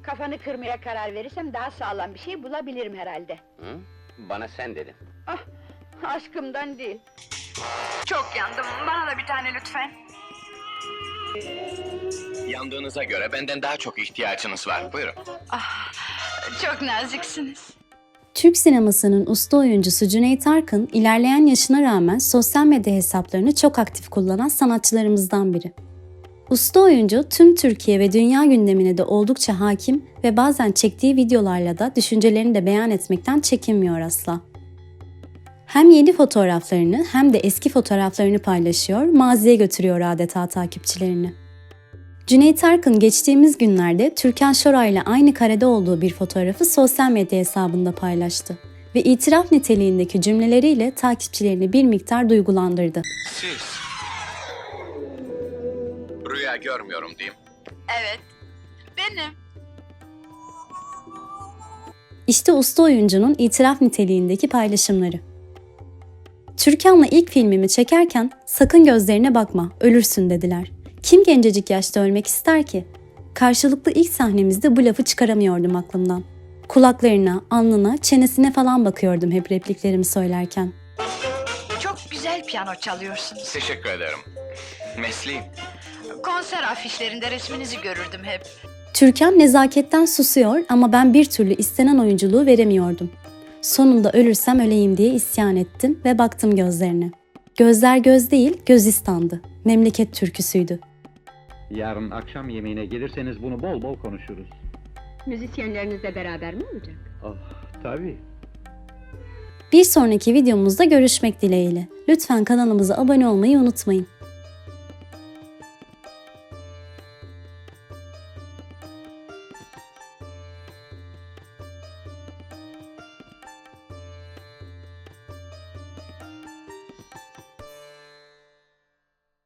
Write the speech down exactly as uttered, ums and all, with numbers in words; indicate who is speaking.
Speaker 1: Kafanı kırmaya karar verirsem daha sağlam bir şey bulabilirim herhalde.
Speaker 2: Hı? Bana sen dedin.
Speaker 1: Ah, aşkımdan değil.
Speaker 3: Çok yandım. Bana da bir tane lütfen.
Speaker 4: Yandığınıza göre benden daha çok ihtiyacınız var. Buyurun.
Speaker 3: Ah, çok naziksiniz.
Speaker 5: Türk sinemasının usta oyuncusu Cüneyt Arkın, ilerleyen yaşına rağmen sosyal medya hesaplarını çok aktif kullanan sanatçılarımızdan biri. Usta oyuncu tüm Türkiye ve dünya gündemine de oldukça hakim ve bazen çektiği videolarla da düşüncelerini de beyan etmekten çekinmiyor asla. Hem yeni fotoğraflarını hem de eski fotoğraflarını paylaşıyor, maziye götürüyor adeta takipçilerini. Cüneyt Arkın geçtiğimiz günlerde Türkan Şoray ile aynı karede olduğu bir fotoğrafı sosyal medya hesabında paylaştı ve itiraf niteliğindeki cümleleriyle takipçilerini bir miktar duygulandırdı.
Speaker 4: Siz... Rüya görmüyorum diyeyim.
Speaker 3: Evet, benim.
Speaker 5: İşte usta oyuncunun itiraf niteliğindeki paylaşımları. Türkan'la ilk filmimi çekerken sakın gözlerine bakma, ölürsün dediler. Kim gencecik yaşta ölmek ister ki? Karşılıklı ilk sahnemizde bu lafı çıkaramıyordum aklımdan. Kulaklarına, alnına, çenesine falan bakıyordum hep repliklerimi söylerken.
Speaker 3: Çok güzel piyano çalıyorsunuz.
Speaker 4: Teşekkür ederim. Mesleğim.
Speaker 3: Konser afişlerinde resminizi görürdüm hep.
Speaker 5: Türkan nezaketten susuyor ama ben bir türlü istenen oyunculuğu veremiyordum. Sonunda ölürsem öleyim diye isyan ettim ve baktım gözlerine. Gözler göz değil, gözistandı. Memleket türküsüydü.
Speaker 6: Yarın akşam yemeğine gelirseniz bunu bol bol konuşuruz.
Speaker 1: Müzisyenlerinizle beraber mi olacak?
Speaker 6: Oh, tabii.
Speaker 5: Bir sonraki videomuzda görüşmek dileğiyle. Lütfen kanalımıza abone olmayı unutmayın.